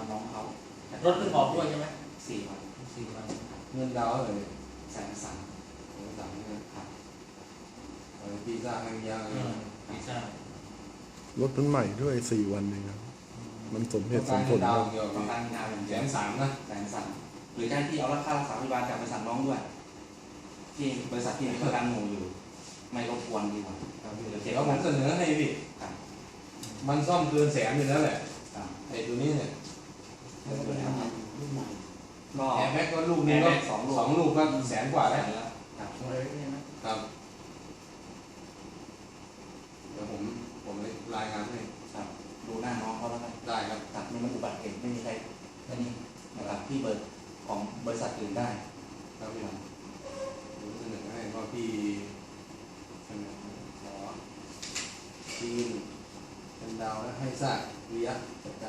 น้องเขารถเพิ่งออกด้วยใช่ไหม 4 วันเงินดาวเลย 130,000 130,000เนี่ยครับปีซ่าให้ยากเลยปีซ่ารถมันใหม่ด้วย4 วันเองครับมันสมเหตุสมผลดาคว รับเดียวต้องการงานอย่างเดียว 130,000นะ 130,000หรือได้ที่เอาค่ารักษาพยาบาลจากบริษัทน้องด้วยที่บริษัทที่มีประกันหมู่อยู่ไม่รบกวนดีกว่าเดี๋ยวผมเสนอให้พี่ครับมันซ่อมเกิน100,000อยู่แล้วแหละครับไอ้ตัวนี้เนี่ยรุ่นใหม่ก็แอร์แม็กก็ลูกนึงก็สองลูกก็100,000 กว่าแล้วครับครับเดี๋ยวผมรายงานให้ครับดูหน้าน้องเขาแล้วกันได้ครับครับนี่มันอุบัติเหตุไม่มีใครอันนี้นะครับพี่เบิร์ดของบริษัทอื่นได้ครับพี่ผมเสนอให้ว่าพี่เสนอขอทีมเป็นดาวและให้ทราบวิยะจัดการ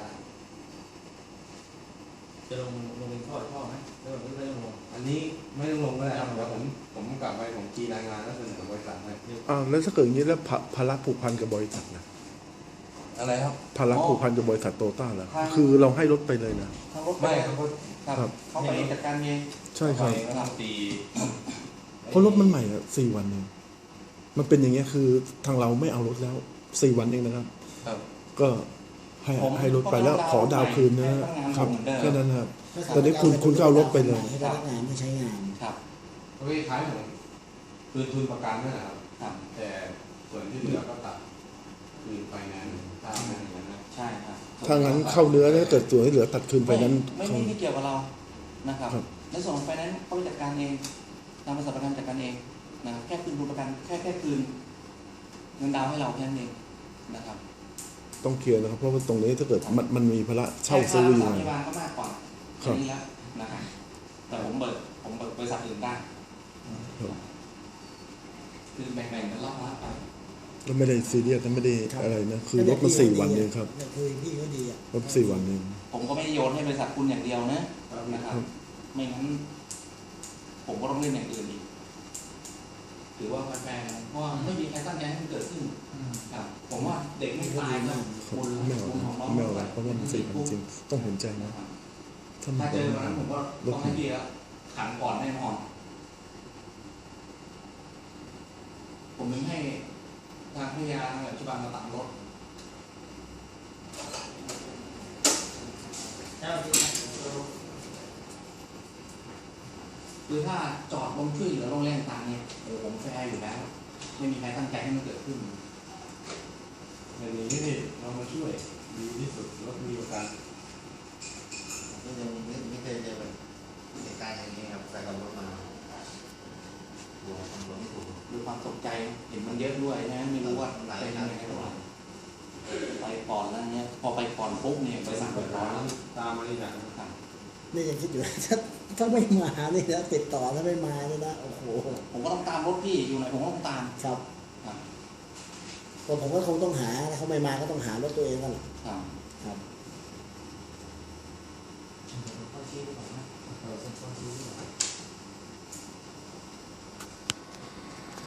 จะลงเป็นท่อไหมหรือว่าไม่ต้องลงอันนี้ไม่ต้องลงก็ได้ครับเดี๋ยวผมกลับไปผมกีรายงานแล้วเสนอบริษัทให้อ้าวแล้วถ้าเกิดอย่างนี้แล้วภาระผูกพันกับบริษัทนะอะไรครับภาระผูกพันกับบริษัทโตต้าเหรอคือเราให้รถไปเลยนะทางรถไม่ครับครับเขาไปจัดการเองใช่ครับไปตีเพราะรถมันใหม่อะ4 วันเองมันเป็นอย่างเงี้ยคือทางเราไม่เอารถแล้ว4 วันเองนะครับครับก็ให้รถไปแล้วขอดาวคืนนะครับแค่นั้นครับ ตอนนี้คุณก็เอารถไปเลยให้พนักงานไม่ใช้งานครับก็คล้ายๆผมคืนทุนประกันนั่นแหละครับครับแต่ส่วนที่เหลือก็ตัดคืนไปงานถ้าไม่อย่างนั้นนะใช่ครับถ้างั้นเข้าเนื้อถ้าเกิดส่วนที่เหลือตัดคืนไปนั้นไม่เกี่ยวกับเรานะครับครับในส่วนของไฟแนนซ์เขาไปจัดการเองทางบริษัทประกันจัดการเองนะครับแค่คืนทุนประกันแค่คืนเงินดาวน์ให้เราแค่นั้นเองนะครับต้องเคลียร์นะครับเพราะว่าตรงนี้ถ้าเกิดมันมีภาระเช่าซื้ออยู่แค่ค่ารักษาพยาบาลก็มากกว่าครับอันนี้แล้วนะครับแต่ผมเบิกบริษัทอื่นได้ครับคือแบ่งๆกันรอบละไปก็ไม่ได้ซีเรียสนะไม่ได้อะไรนะคือรถมัน4 วันเองครับคุยพี่ก็ดีอ่ะรถ4 วันเองผมก็ไม่ได้โยนให้บริษัทคุณอย่างเดียวนะนะครับ ไม่งั้นผมก็ต้องเล่นอย่างอื่นอีกถือว่าแฟร์ๆเพราะว่าไม่มีใครตั้งใจให้มันเกิดขึ้นครับผมว่าเด็กไม่ตายก็ครับบุญไม่เอาบุญของน้องไม่เอาเพราะว่ามัน4 วันจริงต้องเห็นใจนะนะครับถ้ามัถ้าน เจอวันนั้นผมก็ต้องให้พี่แล้วขันก่อนแน่นอนผมถึงให้ทางพยาทางปัจจุบันมาตัดรถเจ้าที่คือถ้าจอดลงช่วยเหลือลงแรงต่างเนี่ยผมแฟร์อยู่แล้ว ไม่มีใครตั้งใจให้มันเกิดขึ้นในนี้นี่เรามาช่วยดีที่สุดรถมีประกันก็ยังไม่เคยเจอแบบเหตุการณ์อย่างนี้ครับใส่กับรถมาหัวทำรถไม่ถูกด้วยความตกใจเห็นมันเยอะด้วยนะไม่รู้ว่าเป็นยังไงหรอกไปก่อนแล้วเนี่ยพอไปก่อนปุ๊บเนี่ยไปสั่งเปิไปดร้ร้าอนนตามมาที่หนังครับนี่ยังคิดอยู่ ถ้าไม่มานี่นะติดต่อถ้าไม่มานี่นะโอ้โหผมก็ต้องตามรถพี่อยู่ไหนผมก็ต้องตามครับครับก็ผมก็คงต้องหาถ้าเขาไม่มาก็ต้องหารถตัวเองกันแหละครับครับข้อชี้ดีกว่านะข้อชี้ดีกว่า